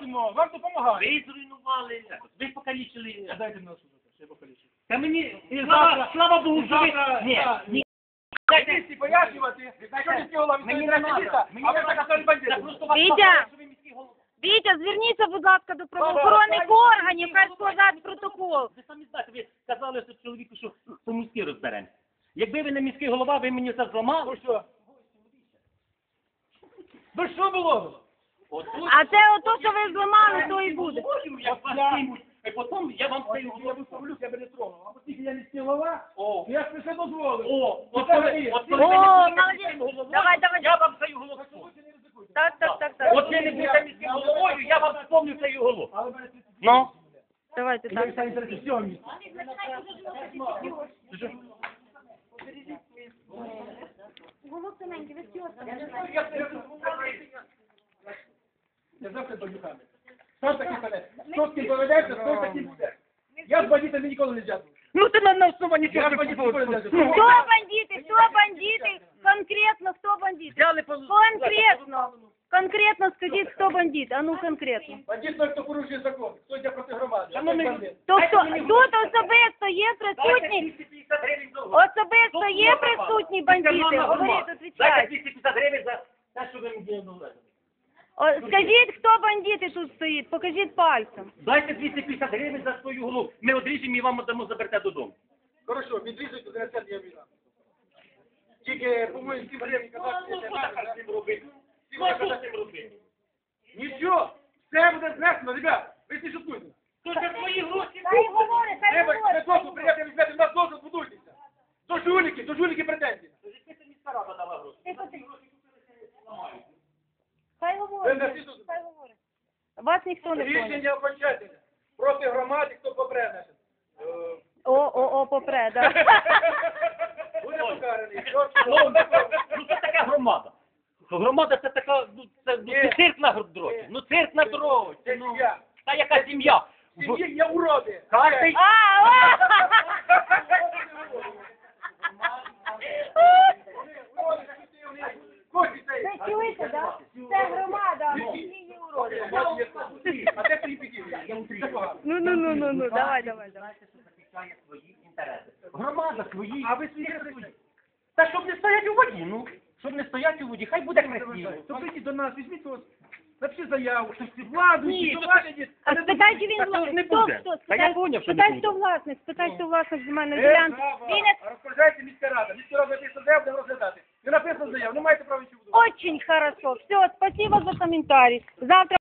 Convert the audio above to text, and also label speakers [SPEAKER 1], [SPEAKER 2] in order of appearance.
[SPEAKER 1] давно, вам допомагаю.
[SPEAKER 2] Ви зруйнували, ви покалічили.
[SPEAKER 1] Дайте мені суду, що я покалічу.
[SPEAKER 2] Та мені,
[SPEAKER 1] І
[SPEAKER 2] слава Богу, що ви...
[SPEAKER 1] завтра,
[SPEAKER 2] Ні,
[SPEAKER 1] так.
[SPEAKER 2] ні.
[SPEAKER 1] Місті пояснювати, що міський голова
[SPEAKER 2] Мені
[SPEAKER 1] відповідає
[SPEAKER 2] не
[SPEAKER 1] за
[SPEAKER 2] треба.
[SPEAKER 1] міста, а ви так казали бандитів.
[SPEAKER 3] Вітя! Вітя, зверніться, будь ласка, до правоохоронних органів, хай складають протокол.
[SPEAKER 2] Ви самі знаєте, ви казали що чоловіку, що по міськи розберемо. Якби ви не міський голова, ви мені це зламали.
[SPEAKER 1] Ну що? Ну що було?
[SPEAKER 3] А це ото, що ви зламали, то і буде.
[SPEAKER 2] Як вас приймуть, а потім я вам цей
[SPEAKER 1] Я виставлю, я би не трогав. А оскільки я міський голова,
[SPEAKER 2] О,
[SPEAKER 1] то я ж все дозволив.
[SPEAKER 2] от
[SPEAKER 1] це
[SPEAKER 2] коли
[SPEAKER 1] ви.
[SPEAKER 2] ви
[SPEAKER 3] О,
[SPEAKER 2] не будете
[SPEAKER 3] молодець.
[SPEAKER 2] міським головою,
[SPEAKER 3] Давай, давай.
[SPEAKER 2] я вам цей голос.
[SPEAKER 3] Так.
[SPEAKER 2] От ви не будете міським головою, я вам спомню цей голос.
[SPEAKER 1] Але в мене це
[SPEAKER 2] Ну?
[SPEAKER 3] Давайте
[SPEAKER 1] я
[SPEAKER 3] так.
[SPEAKER 1] стану інтересу всього міста. Я завжди бандюками. Хто такий панець? Хто з ким поведеться, хто таким буде. Я з бандитами ніколи не зв'язую.
[SPEAKER 2] Ну ти на основанні
[SPEAKER 1] Я з бандитами ніколи не зв'язую.
[SPEAKER 3] Хто бандити? Хто бандити? Конкретно, хто бандити?
[SPEAKER 2] взяли по...
[SPEAKER 3] Конкретно. Конкретно скажіть, хто бандит. А ну конкретно.
[SPEAKER 1] Бандит той, хто порушує закон, хто йде проти громади.
[SPEAKER 2] Шановний,
[SPEAKER 1] Той бандит.
[SPEAKER 3] Тобто тут особисто є присутні,
[SPEAKER 2] 250 гривень за
[SPEAKER 3] особисто є присутні бандити. Говоріть,
[SPEAKER 2] Дайте
[SPEAKER 3] відповідайте.
[SPEAKER 2] 250 гривень за те, що ви мені говорите.
[SPEAKER 3] Скажіть, хто бандити тут стоїть, покажіть пальцем.
[SPEAKER 2] Дайте 250 гривень за свою голову. Ми одріжемо і вам дамо заберете додому.
[SPEAKER 1] Хорошо, відрізуйте, занесете, я війна. Тільки, по-моєму, 7 гривень казати,
[SPEAKER 2] Ну,
[SPEAKER 1] не
[SPEAKER 2] що так
[SPEAKER 1] треба.
[SPEAKER 2] з цим робити?
[SPEAKER 1] Всі
[SPEAKER 2] Ну, а що
[SPEAKER 1] казати.
[SPEAKER 2] з цим робити?
[SPEAKER 1] Нічого, все буде знесено, ребят, ви всі шуткуйте.
[SPEAKER 2] То за свої гроші.
[SPEAKER 3] Хай говорить, хай
[SPEAKER 1] Треба, ви
[SPEAKER 3] говорить.
[SPEAKER 1] дозвол прийняти, візьмете, в нас дозвол, будуйтеся. До жуліки претензії.
[SPEAKER 3] Хай
[SPEAKER 1] Ви
[SPEAKER 3] говорить,
[SPEAKER 1] на всі тут.
[SPEAKER 3] хай говорить. Вас ніхто не понял.
[SPEAKER 1] Рішення окончательне. Проти громади, хто попре, значить.
[SPEAKER 3] О, попре, да.
[SPEAKER 1] Буде покараний.
[SPEAKER 2] Ну це така громада. Громада це така, ну це цирк на дорозі. Ну цирк на дорозі.
[SPEAKER 1] Це
[SPEAKER 2] Ну,
[SPEAKER 1] сім'я.
[SPEAKER 2] та яка сім'я?
[SPEAKER 1] В сім'ї є уроди.
[SPEAKER 2] Кожний...
[SPEAKER 3] Це чуєте, да? Це громада, а в селі є уроди.
[SPEAKER 1] А де ти підів?
[SPEAKER 3] Ну, давай.
[SPEAKER 2] захищає свої інтереси. Громада свої.
[SPEAKER 1] А ви свої.
[SPEAKER 2] Та щоб не стоять у воді, ну. Щоб не стоять у воді, хай буде красиво.
[SPEAKER 1] То прийдіть до нас, візьміть ось, напишіть заяву, що всі владу,
[SPEAKER 2] Ні,
[SPEAKER 1] до влади.
[SPEAKER 3] А спитайте він,
[SPEAKER 2] Та це ж не
[SPEAKER 3] хто,
[SPEAKER 2] буде. Та я поняв, що не
[SPEAKER 3] спитай,
[SPEAKER 2] буде.
[SPEAKER 3] хто власник, спитай, хто власник земельної ділянки. Він
[SPEAKER 1] Розпоряджається міська рада. Міська рада написано заяву, будемо розглядати. Не написано заяву, не маєте права нічого.
[SPEAKER 3] очень хорошо. Все, спасибо за комментарий. Завтра